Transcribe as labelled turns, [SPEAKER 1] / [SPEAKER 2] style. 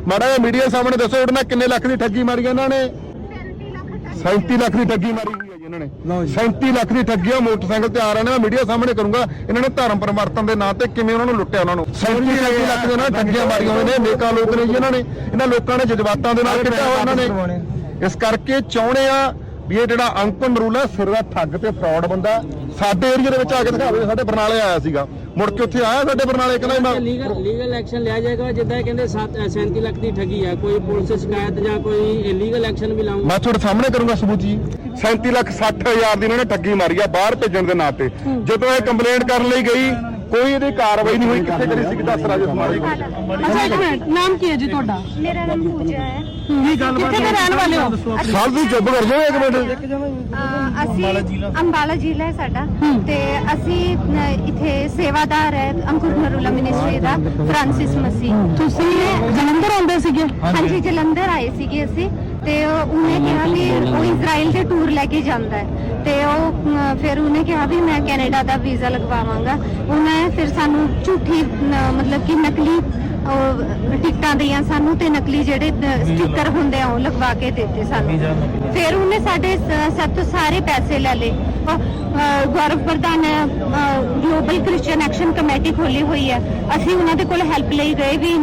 [SPEAKER 1] ਮਾੜਾ ਜਿਹਾ ਮੀਡੀਆ ਸਾਹਮਣੇ ਦੱਸੋ ਉਹਨਾਂ ਕਿੰਨੇ ਲੱਖ ਦੀ ਠੱਗੀ ਮਾਰੀ ਇਹਨਾਂ ਨੇ 37 ਲੱਖ ਦੀ ਠੱਗੀ ਮਾਰੀ ਹੋਈ ਹੈ ਜੀ ਇਹਨਾਂ ਨੇ 37 ਲੱਖ ਦੀ ਠੱਗੀ ਆ ਮੋਟਰਸਾਈਕਲ ਤੇ ਆ ਰਹੇ ਨੇ ਮੈਂ ਮੀਡੀਆ ਸਾਹਮਣੇ ਕਰੂੰਗਾ ਇਹਨਾਂ ਨੇ ਧਰਮ ਪਰਿਵਰਤਨ ਦੇ ਨਾਂ ਤੇ ਕਿਵੇਂ ਉਹਨਾਂ ਨੂੰ ਲੁੱਟਿਆ ਉਹਨਾਂ ਨੂੰ 37 ਲੱਖ ਦੇ ਨਾਲ ਠੱਗੀਆਂ ਮਾਰੀਆਂ ਹੋਏ ਨੇ ਨੇਕਾਂ ਲੋਕ ਨੇ ਜੀ ਇਹਨਾਂ ਲੋਕਾਂ ਨੇ ਜਜ਼ਬਾਤਾਂ ਦੇ ਨਾਲ ਕੀਤਾ ਹੋਇਆ ਇਹਨਾਂ ਨੇ ਇਸ ਕਰਕੇ ਚਾਹੁੰਦੇ ਆ ਵੀ ਇਹ ਜਿਹੜਾ ਅੰਕੁਰ ਨਰੂਲਾ ਸਿਰ ਦਾ ਠੱਗ ਤੇ ਫਰਾਡ ਬੰਦਾ ਸਾਡੇ ਏਰੀਆ ਦੇ ਵਿੱਚ ਆ ਕੇ ਦਿਖਾਵੇ ਸਾਡੇ ਬਰਨਾਲੇ ਆਇਆ ਸੀਗਾ ਮੁੜ ਕੇ ਉੱਥੇ ਆਇਆ ਸਾਡੇ ਬਰਨਾਲੇ ਕਹਿੰਦਾ
[SPEAKER 2] ਲੀਗਲ ਐਕਸ਼ਨ ਲਿਆ ਜਾਏਗਾ ਜਿੱਦਾਂ ਕਹਿੰਦੇ 37 ਲੱਖ ਦੀ ਠੱਗੀ ਹੈ ਕੋਈ ਪੁਲਿਸ ਸ਼ਿਕਾਇਤ ਜਾਂ ਕੋਈ ਲੀਗਲ ਐਕਸ਼ਨ ਵੀ ਲਾਉਂਗਾ
[SPEAKER 1] ਮੈਂ ਤੁਹਾਡੇ ਸਾਹਮਣੇ ਕਰੂੰਗਾ ਸਬੂਤ ਜੀ 37,60,000 ਦੀ ਇਹਨਾਂ ਨੇ ਠੱਗੀ ਮਾਰੀ ਆ ਬਾਹਰ ਭੇਜਣ ਦੇ ਨਾਂ ਤੇ ਜਦੋਂ ਇਹ ਕੰਪਲੇਂਟ ਕਰਨ ਲਈ ਗਈ ਕੋਈ ਇਹਦੀ ਕਾਰਵਾਈ ਨਹੀਂ ਹੋਈ ਕਿੱਥੇ ਕਰੀ ਸੀ ਦੱਸ ਰਾਜੇ ਸਮਾਰੀ
[SPEAKER 3] ਅੱਛਾ ਇੱਕ ਮਿੰਟ ਨਾਮ ਕੀ ਹੈ ਜੀ ਤੁਹਾਡਾ?
[SPEAKER 4] ਮੇਰਾ ਨਾਮ ਪੂਜਾ ਹੈ।
[SPEAKER 3] ਕੀ ਗੱਲ ਕਿੱਥੇ ਦੇ ਰਹਿਣ ਵਾਲੇ ਹੋ?
[SPEAKER 1] ਸਾਲ ਦੀ ਚੁੱਪ ਕਰ ਜਾਓ ਇੱਕ ਮਿੰਟ
[SPEAKER 4] ਅਸੀਂ ਅੰਬਾਲਾ ਜ਼ਿਲ੍ਹਾ ਹੈ ਸਾਡਾ ਤੇ ਅਸੀਂ ਇੱਥੇ ਸੇਵਾਦਾਰ ਹੈ ਅੰਕੁਰ ਨਰੂਲਾ ਮਿਨਿਸਟਰੀ ਦਾ ਫ੍ਰਾਂਸਿਸ ਮਸੀਹ।
[SPEAKER 3] ਤੁਸੀਂ ਜਲੰਧਰ ਆਉਂਦੇ ਸੀਗੇ?
[SPEAKER 4] ਹਾਂਜੀ ਜਲੰਧਰ ਆਏ ਸੀਗੇ ਅਸੀਂ ਤੇ ਉਹਨੇ ਕਿਹਾ ਵੀ ਉਹ ਇਜ਼ਰਾਈਲ ਦੇ ਟੂਰ ਲੈ ਕੇ ਜਾਂਦਾ ਹੈ ਤੇ ਉਹ ਫਿਰ ਉਹਨੇ ਕਿਹਾ ਵੀ ਮੈਂ ਕੈਨੇਡਾ ਦਾ ਵੀਜ਼ਾ ਲਗਵਾਵਾਂਗਾ। ਉਹਨੇ ਫਿਰ ਸਾਨੂੰ ਝੂਠੀ ਮਤਲਬ ਕਿ ਨਕਲੀ ਟਿਕਟਾਂ ਦੀਆਂ ਸਾਨੂੰ ਤੇ ਨਕਲੀ ਜਿਹੜੇ ਸਟicker ਹੁੰਦੇ ਆ ਉਹ ਲਗਵਾ ਕੇ ਦਿੱਤੇ ਸਾਨੂੰ। ਫਿਰ ਉਹਨੇ ਸਾਡੇ ਸਭ ਤੋਂ ਸਾਰੇ ਪੈਸੇ ਲੈ ਲਏ। ਗੌਰਵ ਪ੍ਰਧਾਨ ਗਲੋਬਲ ਕ੍ਰਿਸਚੀਅਨ ਐਕਸ਼ਨ ਕਮੇਟੀ ਖੋਲੀ ਹੋਈ ਹੈ ਅਸੀਂ ਉਹਨਾਂ ਦੇ ਕੋਲ ਹੈਲਪ ਲਈ ਗਏ ਵੀ